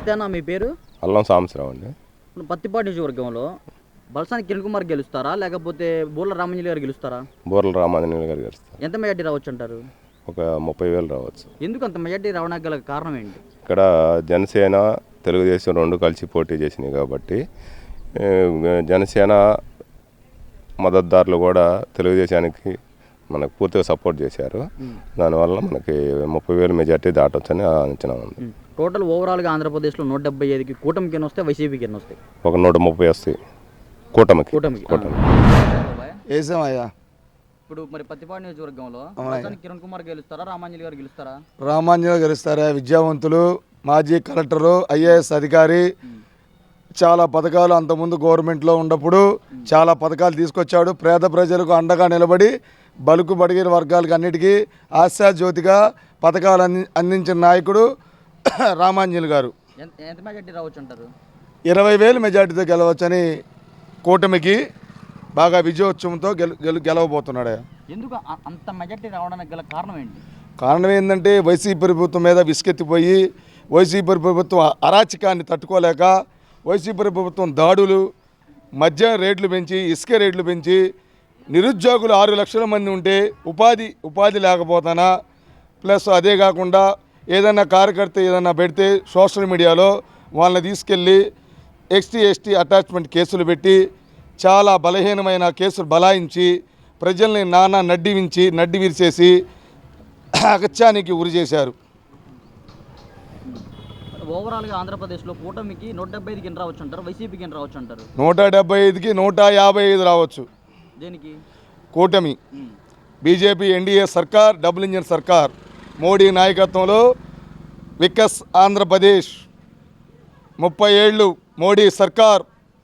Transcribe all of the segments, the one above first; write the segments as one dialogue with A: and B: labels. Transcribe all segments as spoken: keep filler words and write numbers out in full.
A: నమస్తే అన్న, మీ పేరు?
B: అల్లం సాంబశివరావు అండి.
A: పత్తిపాటి నియోజకవర్గంలో బల్సాని కిరణ్ కుమార్ గెలుస్తారా లేకపోతే బూర్ల రామాంజలి గారు గెలుస్తారా?
B: బూర్ల రామాంజలి గారు గెలుస్తారు.
A: ఎంత మెజార్టీ రావచ్చు అంటారు?
B: ఒక ముప్పై వేలు రావచ్చు.
A: ఎందుకు అంత మెజార్టీ రావడానికి గల కారణం ఏంటి?
B: ఇక్కడ జనసేన తెలుగుదేశం రెండు కలిసి పోటీ చేసినాయి కాబట్టి జనసేన మద్దతుదారులు కూడా తెలుగుదేశానికి మనకు పూర్తిగా సపోర్ట్ చేశారు. దానివల్ల మనకి ముప్పై వేలు మెజార్టీ దాటొచ్చని అంచనా ఉంది.
A: టోటల్ ఓవరాల్గా ఆంధ్రప్రదేశ్లో నూట డెబ్బై ఐదుకి కూటమికి ఎన్ని వస్తాయి, వైసీపీకి ఎన్ని వస్తాయి?
B: ఒక నూట ముప్పై వస్తాయి కూటమికి.
A: కూటమికి
B: కూటమి
C: వేసామయ్యా.
A: ఇప్పుడు మరి పత్తిపాటి నియోజకవర్గంలో కిరణ్ కుమార్ గెలుస్తారా, రామాంజలి గారు గెలుస్తారా?
C: రామాంజలి గెలుస్తారా? విద్యావంతులు, మాజీ కలెక్టరు, ఐఏఎస్ అధికారి, చాలా పథకాలు అంతకుముందు గవర్నమెంట్లో ఉన్నప్పుడు చాలా పథకాలు తీసుకొచ్చాడు. పేద ప్రజలకు అండగా నిలబడి బలుకు బడిగిన వర్గాలకు అన్నిటికీ ఆశాజ్యోతిగా పథకాలు అంది అందించిన నాయకుడు రామాంజలి గారు.
A: ఎంత మెజార్టీ రావచ్చు అంటారు?
C: ఇరవై వేలు మెజార్టీతో గెలవచ్చని కూటమికి బాగా విజయోత్సవంతో గెలు గెలు గెలవబోతున్నాడు.
A: ఎందుకు అంత మెజార్టీ రావడానికి గల కారణం ఏంటి?
C: కారణం ఏంటంటే వైసీపీ ప్రభుత్వం మీద విసుకెత్తిపోయి వైసీపీ ప్రభుత్వం అరాచకాన్ని తట్టుకోలేక వైసీపీ ప్రభుత్వం దాడులు, మద్యం రేట్లు పెంచి, ఇసుక రేట్లు పెంచి, నిరుద్యోగులు ఆరు లక్షల మంది ఉంటే ఉపాధి ఉపాధి లేకపోతానా, ప్లస్ అదే కాకుండా ఏదైనా కార్యకర్త ఏదైనా పెడితే సోషల్ మీడియాలో వాళ్ళని తీసుకెళ్ళి ఎస్టీ ఎస్టీ అటాచ్మెంట్ కేసులు పెట్టి చాలా బలహీనమైన కేసులు బలాయించి ప్రజల్ని నానా నడ్డి వించి నడ్డి విరిచేసి అగత్యానికి ఉరి చేశారు.
A: ఓవరాల్గా ఆంధ్రప్రదేశ్లో కూటమికి నూట డెబ్బై ఐదుకి ఎన్ని రావచ్చు అంటారు, వైసీపీకి ఎన్ని రావచ్చు అంటారు?
C: నూట డెబ్బై ఐదుకి నూట యాభై ఐదు రావచ్చు.
A: దేనికి?
C: కూటమి బీజేపీ ఎన్డీఏ సర్కార్, డబుల్ ఇంజిన్ సర్కార్, మోడీ నాయకత్వంలో వికస్ ఆంధ్రప్రదేశ్ ముప్పై ఏళ్ళు మోడీ సర్కార్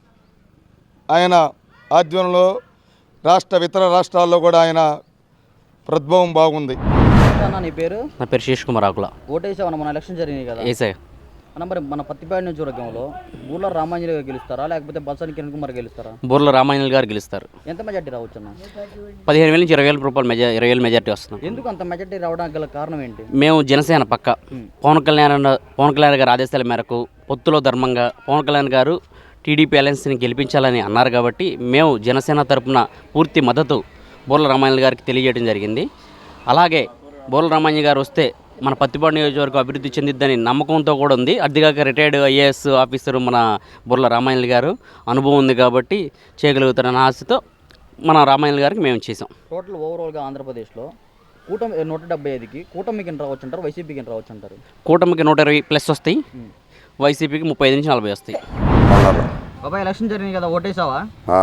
C: ఆయన ఆధ్వర్యంలో రాష్ట్ర ఇతర రాష్ట్రాల్లో కూడా ఆయన ప్రభావం బాగుంది.
A: నీ పేరు?
D: నా పేరు శేష్ కుమార్ ఆకుల.
A: ఓటేసావన్న మన ఎలక్షన్ జరిగినాయి కదా?
D: ఏసాయి
A: అన్న, మరి మన పత్తిపాటి నియోజకవర్గంలో బూర్ల రామాంజలి గారు గెలుస్తారా లేకపోతే బల్సాని కిరణ్ కుమార్ గెలుస్తారా?
D: బూర్ల రామాంజలి గారు గెలుస్తారు.
A: ఎంత మెజార్టీ రావచ్చు అన్న?
D: పదిహేను వేల నుంచి ఇరవై వేల రూపాయలు మెజా ఇరవై వేల మెజార్టీ వస్తుంది.
A: ఎందుకు అంత మెజార్టీ రావడానికి గల కారణం ఏంటి?
D: మేము జనసేన పక్క పవన్ కళ్యాణ్ పవన్ కళ్యాణ్ గారి ఆదేశాల మేరకు పొత్తులో ధర్మంగా పవన్ కళ్యాణ్ గారు టీడీపీ అలయన్స్ని గెలిపించాలని అన్నారు కాబట్టి మేము జనసేన తరపున పూర్తి మద్దతు బూర్ల రామాంజలి గారికి తెలియజేయడం జరిగింది. అలాగే బూర్ల రామాంజలి గారు వస్తే మన పత్తిపాటి నియోజకవర్గం అభివృద్ధి చెందిద్దని నమ్మకంతో కూడా ఉంది. అదిగాక రిటైర్డ్ ఐఏఎస్ ఆఫీసరు మన బూర్ల రామాంజలి గారు అనుభవం ఉంది కాబట్టి చేయగలుగుతారన్న ఆశతో మన రామాంజలి గారికి మేము చేసాం.
A: టోటల్ ఓవరాల్గా ఆంధ్రప్రదేశ్లో కూటమి నూట డెబ్బై ఐదుకి కూటమికి రావచ్చు అంటారు, వైసీపీకి రావచ్చు అంటారు?
D: కూటమికి నూట ఇరవై ప్లస్ వస్తాయి, వైసీపీకి ముప్పై ఐదు నుంచి నలభై వస్తాయి.
A: బాబాయ్ ఎలక్షన్ జరిగింది కదా, ఓటేసావా?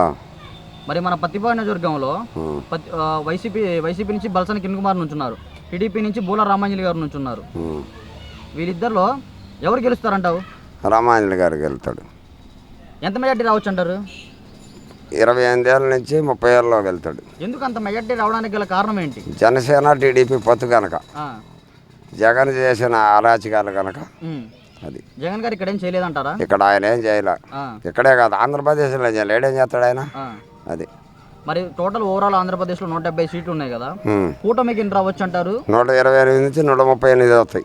A: మరి మన పత్తిపాటి నియోజకవర్గంలో వైసీపీ వైసీపీ నుంచి బల్సాని కిరణ్ కుమార్ నుంచున్నారు, టీడీపీ నుంచి బూర్ల రామాంజలి గారు నుంచున్నారు. వీళ్ళిద్దరిలో ఎవరు గెలుస్తారంటావు?
E: రామాంజలి గారు గెలుతాడు.
A: ఎంత మెజార్టీ రావచ్చు అంటారు?
E: ఇరవై ఎనిమిది ఏళ్ళ నుంచి ముప్పై ఏళ్ళలో వెళ్తాడు.
A: ఎందుకు అంత మెజార్టీ రావడానికి గల కారణం ఏంటి?
E: జనసేన టీడీపీ పొత్తు కనుక, జగన్ చేసిన అరాచకాలు కనుక. అది
A: జగన్ గారు ఇక్కడ ఏం చేయలేదంటారా?
E: ఇక్కడ ఆయన ఏం చేయలే, ఇక్కడే కాదు ఆంధ్రప్రదేశ్లో చేయలేడు. ఏం చేస్తాడు ఆయన? అది
A: మరి టోటల్ ఓవరాల్ ఆంధ్రప్రదేశ్లో నూట డెబ్బై సీట్లు ఉన్నాయి కదా, కూటమికి ఎన్ని రావచ్చు అంటారు?
E: నూట ఇరవై ఎనిమిది నుంచి నూట ముప్పై ఎనిమిది వస్తాయి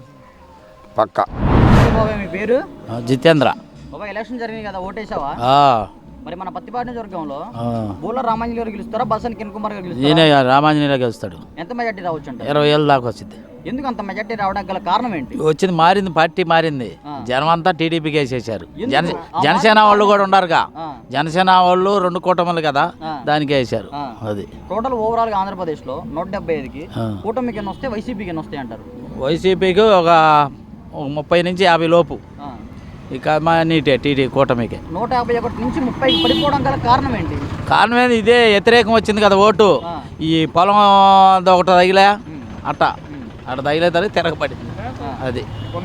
E: పక్క.
A: బాబాయ్ మీ పేరు?
D: జితేంద్ర.
A: బాబాయ్ ఎలక్షన్ జరిగింది కదా, ఓటేసావా? మరి మన పత్తిపాటి నియోజకవర్గంలో బూర్ల రామాంజలి గారు గెలుస్తారా, బల్సాని కిరణ్ కుమార్ గారు గెలుస్తారా?
D: రామాంజలి గెలుస్తాడు.
A: ఎంత మెజార్టీ రావచ్చు అంటే?
D: ఇరవై ఏళ్ళ దాకా వచ్చింది.
A: ఎందుకు అంత మెజార్టీ రావడానికి గల కారణం ఏంటి?
D: వచ్చింది మారింది, పార్టీ మారింది, జనం అంతా టీడీపీకి వేసేసారు. జన జనసేన వాళ్ళు కూడా ఉన్నారుగా, జనసేన వాళ్ళు రెండు కూటములు కదా, దానికి వేసారు. అది
A: టోటల్ ఓవరాల్ గా ఆంధ్రప్రదేశ్ లో నూట డెబ్బై ఐదుకి కూటమికి ఎన్ని వస్తాయి, వైసీపీకి ఎన్ని వస్తాయి అంటారు?
D: వైసీపీకి ఒక ముప్పై నుంచి యాభై లోపు, ఇక మా నీటే టీడీ కూటమికి
A: నూట యాభై ఒకటి నుంచి ముప్పై పడిపోవడం గల కారణం ఏంటి?
D: కారణం ఏంది, ఇదే వ్యతిరేకం వచ్చింది కదా ఓటు. ఈ పొలం ఒకటి తగిలే అట్ట అట్ట తగిలే తరగతి తిరగబడింది. అది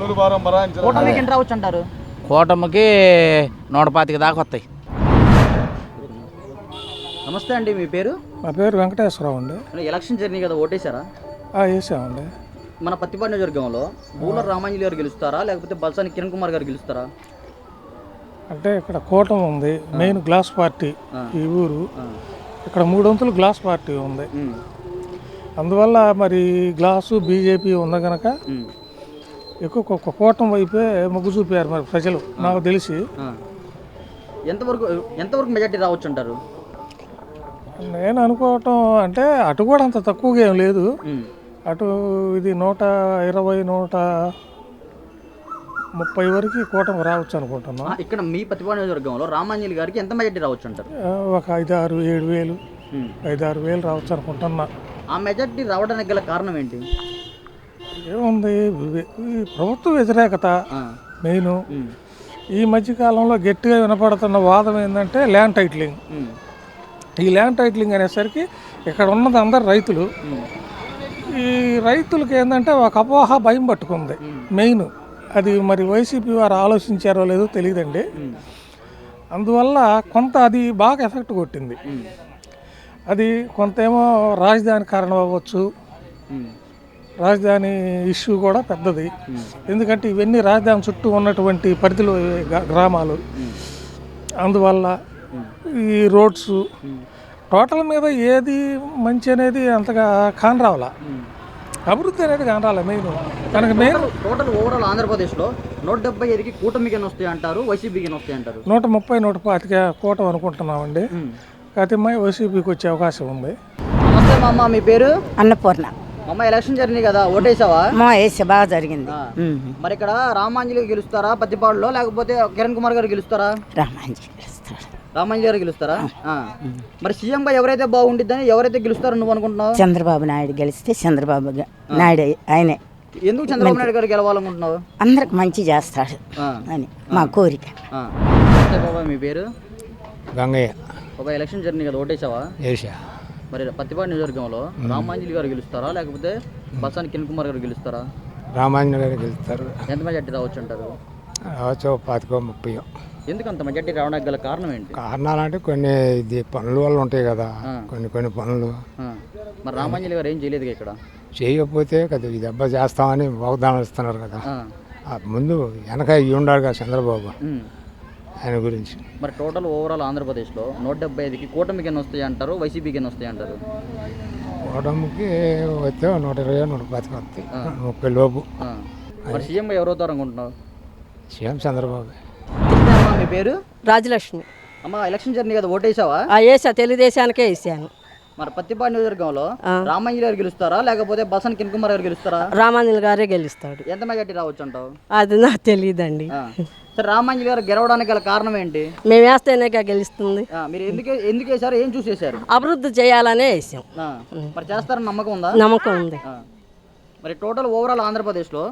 A: కూటమికి ఎన్ని రావచ్చు అంటారు?
D: కూటమికి నూట పాతిక దాకా వస్తాయి.
A: నమస్తే అండి, మీ పేరు?
F: మా పేరు వెంకటేశ్వరరావు అండి.
A: ఎలక్షన్ జర్నీ కదా, ఓటేశారా?
F: వేసామండి.
A: మన పత్తిపాటి నియోజకవర్గంలో బూర్ల రామాంజలి గారు గెలుస్తారా లేకపోతే బల్సాని కిరణ్ కుమార్ గారు గెలుస్తారా?
F: అంటే ఇక్కడ కూటమి ఉంది, మెయిన్ గ్లాస్ పార్టీ ఈ ఊరు. ఇక్కడ మూడొంతులు గ్లాస్ పార్టీ ఉంది, అందువల్ల మరి గ్లాసు బీజేపీ ఉంది కనుక ఎక్కువ ఒక కూటమి వైపే మొగ్గు చూపారు మరి ప్రజలు నాకు తెలిసి.
A: ఆ. ఎంతవరకు ఎంతవరకు మెజార్టీ రావచ్చు అంటారు?
F: నేను అనుకోవటం అంటే అటు కూడా అంత తక్కువగా ఏం లేదు.
A: ఉమ్.
F: అటు ఇది నూట ఇరవై నూట ముప్పై వరకు కూటమి రావచ్చు అనుకుంటున్నాం.
A: ఆ, ఇక్కడ మీ ప్రతిభా నియోజకవర్గంలో రామాంజలి గారికి ఎంత మెజార్టీ రావచ్చు అంటారు?
F: ఆ, ఒక ఐదు ఆరు ఏడు వేలు
A: ఉమ్.
F: ఐదు ఆరు వేలు రావచ్చు అనుకుంటున్నా.
A: ఆ మెజార్టీ రావడానికి గల కారణం ఏంటి?
F: ఏముంది ఇవి- ఈ ప్రభుత్వ వ్యతిరేకత
A: ఆ.
F: మెయిన్.
A: ఉమ్.
F: ఈ మధ్యకాలంలో గట్టిగా వినపడుతున్న వాదం ఏంటంటే ల్యాండ్ టైటిలింగ్.
A: ఉమ్.
F: ఈ ల్యాండ్ టైటిలింగ్ అనేసరికి ఇక్కడ ఉన్నది అందరు రైతులు.
A: ఉమ్.
F: ఈ రైతులకి ఏంటంటే ఒక అపోహ భయం పట్టుకుంది మెయిన్. అది మరి వైసీపీ వారు ఆలోచించారో లేదో తెలియదండి.
A: ఉమ్.
F: అందువల్ల కొంత అది బాగా ఎఫెక్ట్ కొట్టింది.
A: ఉమ్.
F: అది కొంతేమో రాజధాని కారణం అవ్వచ్చు.
A: ఉమ్.
F: రాజధాని ఇష్యూ కూడా పెద్దది. ఎందుకంటే ఇవన్నీ రాజధాని చుట్టూ ఉన్నటువంటి పరిధిలో గ- గ్రామాలు. అందువల్ల ఈ రోడ్స్ టోటల్ మీద ఏది మంచి అనేది అంతగా కానరావాల, అభివృద్ధి అనేది కానరాల. మెయిన్ మనకి మెయిన్
A: టోటల్ ఓవరాల్ ఆంధ్రప్రదేశ్లో నూట డెబ్బై ఐదుకి కూటమికి ఎన్ని వస్తాయి అంటారు, వైసీపీకి ఎన్ని వస్తాయి అంటారు?
F: నూట ముప్పై నూట పాతిక కూటమి అనుకుంటున్నామండి. కాకపోతే మా వైసీపీకి వచ్చే అవకాశం ఉంది.
A: నమస్తే మా అమ్మ, మీ పేరు?
G: అన్నపూర్ణ.
A: అమ్మ, ఎలక్షన్ జరిగినాయి కదా, ఓటేసావా?
G: మా వేసే బాగా జరిగింది.
A: ఆ. మరి ఇక్కడ రామాంజలి గెలుస్తారా పత్తిపాడులో, లేకపోతే కిరణ్ కుమార్ గారు గెలుస్తారా?
G: రామాంజీ గెలుస్తాడు.
A: రామాంజలి గారు గెలుస్తారా? ఆ. మరి సీఎంగా ఎవరైతే బాగుండిద్దని ఎవరైతే గెలుస్తారో నువ్వు అనుకుంటున్నావు?
G: చంద్రబాబు నాయుడు గెలిస్తే చంద్రబాబు గ- నాయుడు ఆయనే.
A: ఎందుకు చంద్రబాబు నాయుడు గారు గెలవాలనుకుంటున్నావు?
G: అందరికి మంచి చేస్తాడు
A: ఆ.
G: అని మా కోరిక.
A: ఆ. నమస్తే బాబాయ్, మీ పేరు?
H: గంగయ్య.
A: బాబాయ్, ఎలక్షన్ జరిగినాయి కదా, ఓటేసావా?
H: ఏషా.
A: మరి పత్తిపాడు నియోజకవర్గంలో రామాంజలి గారు గెలుస్తారా, లేకపోతే బసాని కిరణ్ కుమార్ గారు గెలుస్తారా?
H: రామాంజన గారికి వెళ్తారు.
A: ఎంత మెజార్టీ రావచ్చు అంటారు?
H: రావచ్చు పాతికో ముప్పై.
A: ఎందుకు అంత మెజార్టీ రావడానికి గల కారణం ఏంటి?
H: కారణాలంటే కొన్ని ఇది పనుల వల్ల ఉంటాయి కదా, కొన్ని కొన్ని పనులు.
A: ఆ. మరి రామాంజలి గారు ఏం చేయలేదు ఇక్కడ.
H: చేయకపోతే కదా ఈ దెబ్బ చేస్తామని వాగ్దానం ఇస్తున్నారు కదా.
A: ఆ.
H: ఆ ముందు వెనక ఇవి ఉండాలి కదా చంద్రబాబు,
A: ఉమ్.
H: ఆయన గురించి.
A: మరి టోటల్ ఓవరాల్ ఆంధ్రప్రదేశ్లో నూట డెబ్బై ఐదుకి కూటమికి ఎన్ని వస్తాయి అంటారు, వైసీపీకి ఎన్ని వస్తాయి అంటారు?
H: ఓటమికి వస్తే నూట ఇరవై నూట పాతిక వస్తాయి, ముప్పై లోపు.
A: ఆ. మరి సీఎంగా ఎవరు అవుతారు అనుకుంటున్నావు?
H: సీఎం చంద్రబాబు.
A: అమ్మా, మీ పేరు?
I: రాజలక్ష్మి.
A: అమ్మ, ఎలక్షన్ జరిగింది కదా, ఓటేసావా?
I: వేసా, తెలుగుదేశానికే వేసాను.
A: మరి పత్తిపాడు నియోజకవర్గంలో రామాంజలి గారు గెలుస్తారా, లేకపోతే బసాని కిరణ్ కుమార్ గారు గెలుస్తారా?
I: రామాంజలి గారే గెలుస్తాడు.
A: ఎంత మెజార్టీ రావచ్చు అంటావు?
I: అది నాకు తెలియదండి.
A: ఆ. సరే, రామాంజలి గారు గెలవడానికి గల కారణం ఏంటి?
I: మేము వేస్తేనే గెలుస్తుంది.
A: ఆ, మీరు ఎందుకు ఎందుకు వేసారు, ఏం చూసి వేసారు?
I: అభివృద్ధి చేయాలనే వేసాం.
A: ఆ. మరి చేస్తారని నమ్మకం ఉందా?
I: నమ్మకం ఉంది.
A: ఆ. మరి టోటల్ ఓవరాల్ ఆంధ్రప్రదేశ్లో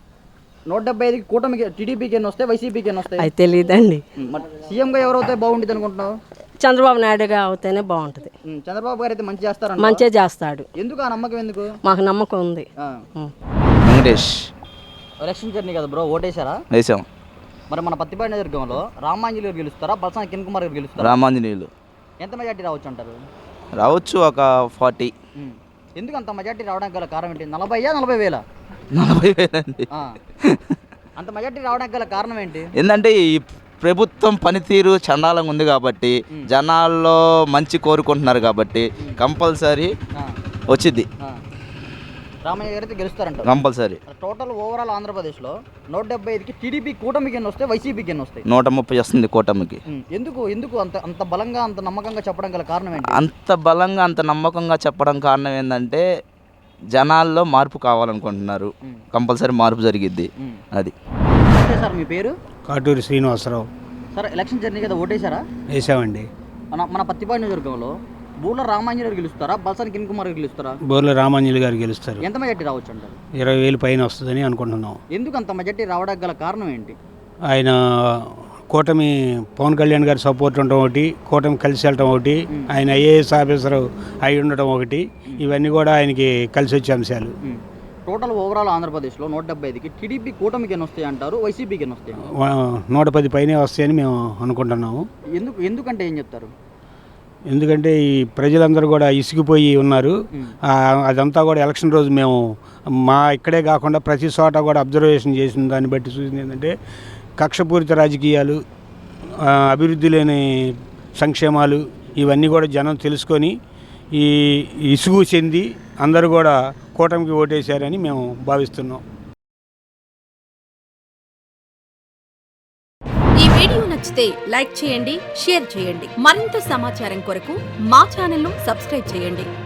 A: నూట డెబ్బై ఐదుకి కూటమికి టీడీపీకి ఎన్ని వస్తాయి, వైసీపీకి ఎన్ని వస్తాయి?
I: అది తెలియదండి.
A: ఉమ్, మరి సీఎంగా ఎవరు అవుతే బాగుంటుంది అనుకుంటున్నావు?
I: చంద్రబాబు నాయుడుగా అవుతేనే బాగుంటుంది.
A: ఉమ్, చంద్రబాబు గారు అయితే మంచి చేస్తారంట.
I: మంచిగా చేస్తాడు.
A: ఎందుకు ఆ నమ్మకం ఎందుకు?
I: మాకు నమ్మకం ఉంది.
A: ఆ.
I: ఉం.
J: వెంకటేష్.
A: ఎలక్షన్ జర్నీ కదా బ్రో, ఓటేశారా?
J: వేసాం.
A: మరి మన పత్తిపాడు నియోజకవర్గంలో రామాంజలి గారు గెలుస్తారా, బల్సాని కిరణ్ కుమార్ గారు గెలుస్తారా?
J: రామాంజనేయులు
A: ఎంత మెజార్టీ రావచ్చు అంటారు?
J: రావచ్చు ఒక ఫార్టీ.
A: ఉమ్. ఎందుకు అంత మెజార్టీ రావడానికి గల కారణం ఏంటి? నలభై నలభై వేల
J: నలభై వేలండి.
A: అంత మెజార్టీ రావడానికి గల కారణం ఏంటి?
J: ఏంటంటే ఈ ప్రభుత్వం పనితీరు చండాలంగా ఉంది కాబట్టి, జనాల్లో మంచి కోరుకుంటున్నారు కాబట్టి కంపల్సరీ వచ్చింది.
A: రామయ్య గారు అయితే గెలుస్తారంట
J: కంపల్సరీ.
A: టోటల్ ఓవరాల్ ఆంధ్రప్రదేశ్లో నూట డెబ్బై ఐదుకి టీడీపీ కూటమికి ఎన్ని వస్తాయి, వైసీపీకి ఎన్ని వస్తాయి?
J: నూట ముప్పై వస్తుంది కూటమికి.
A: ఉమ్. ఎందుకు ఎందుకు అంత అంత బలంగా అంత నమ్మకంగా చెప్పడం గల కారణం ఏంటి?
J: అంత బలంగా అంత నమ్మకంగా చెప్పడం కారణం ఏంటంటే జనాల్లో మార్పు కావాలనుకుంటున్నారు. కంపల్సరీ మార్పు జరిగిద్ది. అది
A: ఓకే సార్, మీ పేరు?
H: Katuri Srinivasarao.
A: Sir, election journey కదా, ఓటేశారా?
H: వేసామండి.
A: మన మన పత్తిపాడు నియోజకవర్గంలో బూర్ల రామాంజలి గారు గెలుస్తారా, బల్సాని కిరణ్ కుమార్ గారు గెలుస్తారా?
H: బోర్ల రామాంజలి గారు గెలుస్తారు.
A: ఎంత మెజార్టీ రావచ్చు అంటారు?
H: ఇరవై వేలు పైన వస్తుందని అనుకుంటున్నాం.
A: ఎందుకు అంత మెజార్టీ రావడానికి గల కారణం ఏంటి?
H: ఆయన కూటమి పవన్ కళ్యాణ్ గారి సపోర్ట్ ఉండటం ఒకటి, కూటమి కలిసి వెళ్ళటం ఒకటి, ఆయన ఐఏఎస్ ఆఫీసర్ అయి ఉండటం ఒకటి, ఇవన్నీ కూడా ఆయనకి కలిసి వచ్చే అంశాలు.
A: టోటల్ ఓవరాల్ ఆంధ్రప్రదేశ్లో నూట డెబ్బై ఐదుకి టీడీపీ కూటమికి ఎన్ని వస్తాయి అంటారు, వైసీపీకి ఎన్ని వస్తాయి?
H: నూట పది పైనే వస్తాయని మేము అనుకుంటున్నాము.
A: ఎందుకు ఎందుకంటే ఏం చెప్తారు?
H: ఎందుకంటే ఈ ప్రజలందరూ కూడా ఇసిగిపోయి ఉన్నారు. అదంతా కూడా ఎలక్షన్ రోజు మేము మా ఇక్కడే కాకుండా ప్రతి చోట కూడా అబ్జర్వేషన్ చేసిన దాన్ని బట్టి చూసింది ఏంటంటే కక్షపూరిత రాజకీయాలు, అభివృద్ధి లేని సంక్షేమాలు, ఇవన్నీ కూడా జనం తెలుసుకొని ఈ ఇసుగు చెంది అందరూ కూడా కూటమికి ఓటేశారని మేము భావిస్తున్నాం.
K: వీడియో నచ్చితే లైక్ చేయండి, షేర్ చేయండి. మరింత సమాచారం కొరకు మా ఛానల్ను సబ్స్క్రైబ్ చేయండి.